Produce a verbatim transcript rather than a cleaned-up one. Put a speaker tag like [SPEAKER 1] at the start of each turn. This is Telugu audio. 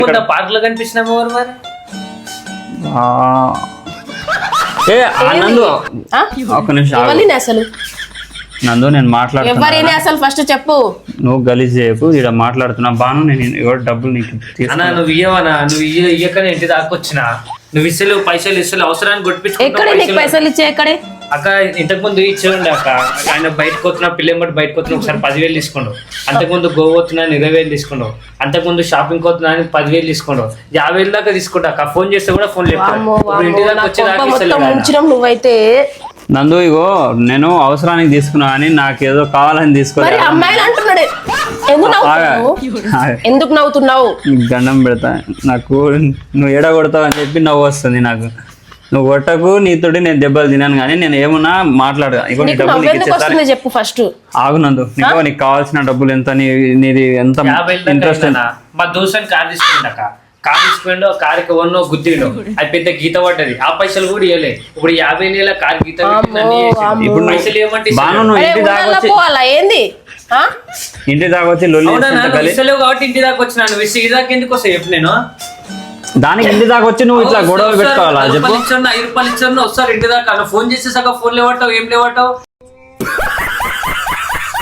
[SPEAKER 1] పార్క్ లో కనిపించినాము ఎవరు మరి
[SPEAKER 2] ఆ, ఏ ఆ నందు ఒక నిమిషం ఆగు.
[SPEAKER 3] ఎవరిని అసలు
[SPEAKER 2] నందు నేను మాట్లాడుతున్నా
[SPEAKER 3] ఎవరిని అసలు ఫస్ట్ చెప్పు.
[SPEAKER 2] నువ్వు గలీజ్ చేయకు ఇక్కడ మాట్లాడుతున్నా బాను నేను ఎవరు డబ్బులు నీకు
[SPEAKER 1] అన్నా
[SPEAKER 2] తీసుకున్నా
[SPEAKER 1] నువ్వు ఇయ్యవనా నువ్వు ఇయ్య ఇయ్యకనే ఇంటి దాకొచ్చినా నువ్వు ఇస్తలేవు పైసలు ఇస్తలేవు అవసరాన్ని
[SPEAKER 3] ఎక్కడే నీకు
[SPEAKER 1] కొట్టించుకుంటావు
[SPEAKER 3] పైసలు ఇచ్చే ఎక్కడే?
[SPEAKER 1] అక్క ఇంతకు ముందు ఇచ్చేయండి అక్క ఆయన బయటకు వస్తున్నా పిల్లలు బట్టి బయటకు వస్తున్నా ఒకసారి పదివేలు తీసుకుండు అంతకుముందు గోవా వస్తున్నా ఇరవై వేలు తీసుకుండు అంతకుముందు షాపింగ్ వస్తున్నా అని పదివేలు తీసుకుండు యాభై వేలు దాకా తీసుకుంటా అక్క ఫోన్ చేస్తే కూడా ఫోన్ లేదు
[SPEAKER 3] వామ్మో,
[SPEAKER 1] ఇప్పుడు ఇంటి
[SPEAKER 3] వామ్మో,
[SPEAKER 1] దాకా
[SPEAKER 3] నా
[SPEAKER 1] వచ్చేదాకా
[SPEAKER 3] కొంప మొత్తం
[SPEAKER 1] ఇస్తలేడు ఆయన.
[SPEAKER 3] ముంచినాం నువ్వైతే.
[SPEAKER 2] నందు ఇగో నేను అవసరానికి తీసుకున్నా అని నాకు ఏదో కావాలని
[SPEAKER 3] మరి
[SPEAKER 2] తీసుకోవాలి
[SPEAKER 3] అమ్మాయిలు అంటున్నాడు ఎందుకు నవ్వుతున్నావు? ఎందుకు నవ్వుతున్నావు?
[SPEAKER 2] గండం పెడతా నాకు నువ్వు ఎడ కొడతావు అని చెప్పి నవ్వు వస్తుంది నాకు. నువ్వు కొట్టకు నీతోటి నేను దెబ్బలు తినాను కానీ నేను ఏమన్నా మాట్లాడగా ఇగో నీ
[SPEAKER 3] నీకు
[SPEAKER 2] డబ్బులు నీకు
[SPEAKER 3] నవ్వెందుకు
[SPEAKER 2] ఇచ్చేసారి
[SPEAKER 3] వస్తుంది చెప్పు ఫస్ట్.
[SPEAKER 2] ఆగునందు నీకు నీకు కావాల్సిన డబ్బులు ఎంత నీ నీది ఎంత
[SPEAKER 1] యాభై వేలు దాకా
[SPEAKER 2] ఇంట్రెస్ట్
[SPEAKER 1] అయిందన్నా. మా దోస్తుని కార్ తీసుకుంటా అక్క కార్ తీసుకుంటూ కారుకి వన్నో గుద్దిండు అది పెద్ద గీత పడ్డది ఆ పైసలు కూడా ఇవ్వలే ఇప్పుడు యాభై నెలల కార్ గీత పెట్టిండు, అన్నీ చేసిండు. ఇప్పుడు పైసలు ఏమంటే
[SPEAKER 2] బాను నువ్వు
[SPEAKER 3] అరే
[SPEAKER 2] ఇంటి దాకా
[SPEAKER 3] ఊళ్ళల్లో
[SPEAKER 2] వచ్చి
[SPEAKER 3] పోవాలా ఏంది? ఆ?
[SPEAKER 2] ఇంటి దాకా వచ్చి లొల్లి చేసుకుంటా గలీ-
[SPEAKER 1] ఇస్తలేవు కాబట్టి ఇంటి దాకా వచ్చినా నువ్వు ఇస్తే ఇంటి దాకా ఎందుకు వస్తావు చెప్పు నేను
[SPEAKER 2] దానికి ఇంటి దాకా వచ్చి నువ్వు ఇట్లా గొడవలు పెట్టుకోవాలా
[SPEAKER 1] ఐదు
[SPEAKER 2] చెప్పు
[SPEAKER 1] రూపాయలు ఇచ్చాను ఐదు రూపాయలు ఇచ్చాను వస్తారు ఇంటి దాకా ఫోన్ చేస్తే సగం ఫోన్ లేవటావు ఏం లేవటావు